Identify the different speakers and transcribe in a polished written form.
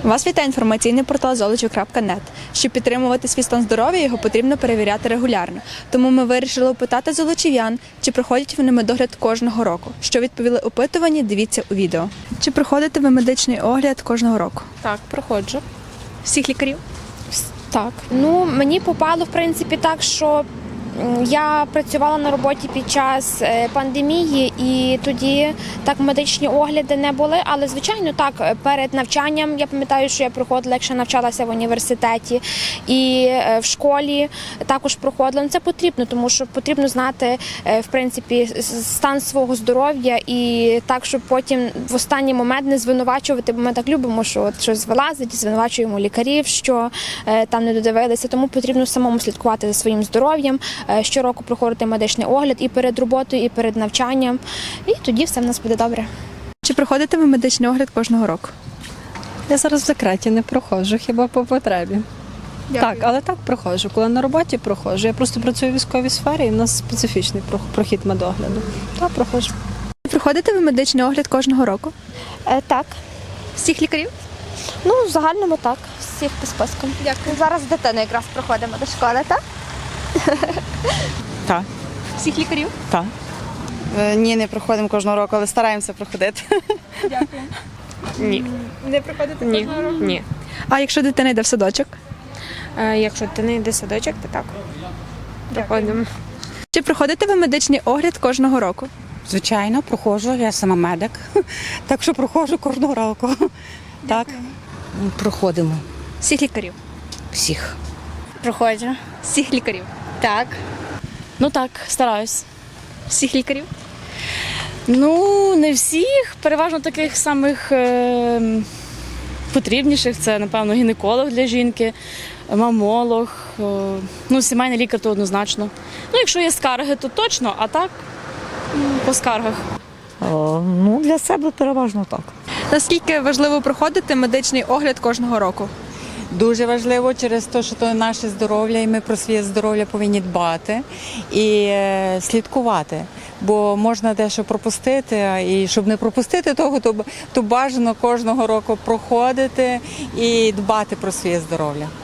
Speaker 1: Вас вітає інформаційний портал Золочів.нет. Щоб підтримувати свій стан здоров'я, його потрібно перевіряти регулярно. Тому ми вирішили опитати золочів'ян, чи проходять вони медогляд кожного року. Що відповіли опитувані, дивіться у відео. Чи проходите ви медичний огляд кожного року?
Speaker 2: Так, проходжу.
Speaker 1: Всіх лікарів?
Speaker 2: Так.
Speaker 3: Ну, мені попало, в принципі, так, що я працювала на роботі під час пандемії, і тоді так медичні огляди не були, але, звичайно, так, перед навчанням, я пам'ятаю, що я проходила, якщо навчалася в університеті, і в школі також проходила. Ну, це потрібно, тому що потрібно знати, в принципі, стан свого здоров'я і так, щоб потім в останній момент не звинувачувати, бо ми так любимо, що от щось вилазить, звинувачуємо лікарів, що там не додивилися, тому потрібно самому слідкувати за своїм здоров'ям, щороку проходити медичний огляд і перед роботою, і перед навчанням, і тоді все в нас буде добре.
Speaker 1: Чи проходите ви медичний огляд кожного року?
Speaker 4: Я зараз в закреті не проходжу, хіба по потребі. Так, але так проходжу. Коли на роботі проходжу. Я просто працюю в військовій сфері, і в нас специфічний прохід медогляду. Так, проходжу.
Speaker 1: Чи проходите ви медичний огляд кожного року?
Speaker 3: Так.
Speaker 1: Всіх лікарів?
Speaker 3: Ну, в загальному так, всіх по спискам.
Speaker 1: Дякую.
Speaker 3: Зараз з дитиною якраз проходимо до школи, так?
Speaker 5: Так,
Speaker 1: Всіх лікарів?
Speaker 5: так. Ні, не проходимо кожного року, але стараємося проходити.
Speaker 1: Дякую.
Speaker 2: Ні.
Speaker 1: Не проходите
Speaker 2: Ні.
Speaker 1: кожного року?
Speaker 2: Ні.
Speaker 1: А якщо дитина йде в садочок?
Speaker 2: Якщо ти не йде садочок, то так. Проходимо.
Speaker 1: Чи проходите ви медичний огляд кожного року?
Speaker 6: Звичайно, проходжу, я сама медик, так що проходжу кожного року. Так.
Speaker 7: Проходимо
Speaker 1: Всіх лікарів?
Speaker 7: всіх.
Speaker 3: Проходжу.
Speaker 1: Всіх лікарів?
Speaker 3: Так.
Speaker 2: Ну так, стараюсь.
Speaker 1: Всіх лікарів?
Speaker 2: Ну, не всіх, переважно таких самих потрібніших. Це, напевно, гінеколог для жінки, мамолог, ну, сімейний лікар то однозначно. Ну, якщо є скарги, то точно, а так по скаргах.
Speaker 8: Ну, для себе переважно так.
Speaker 1: Наскільки важливо проходити медичний огляд кожного року?
Speaker 5: Дуже важливо через те, що це наше здоров'я, і ми про своє здоров'я повинні дбати і слідкувати. Бо можна дещо пропустити, і щоб не пропустити того, то бажано кожного року проходити і дбати про своє здоров'я.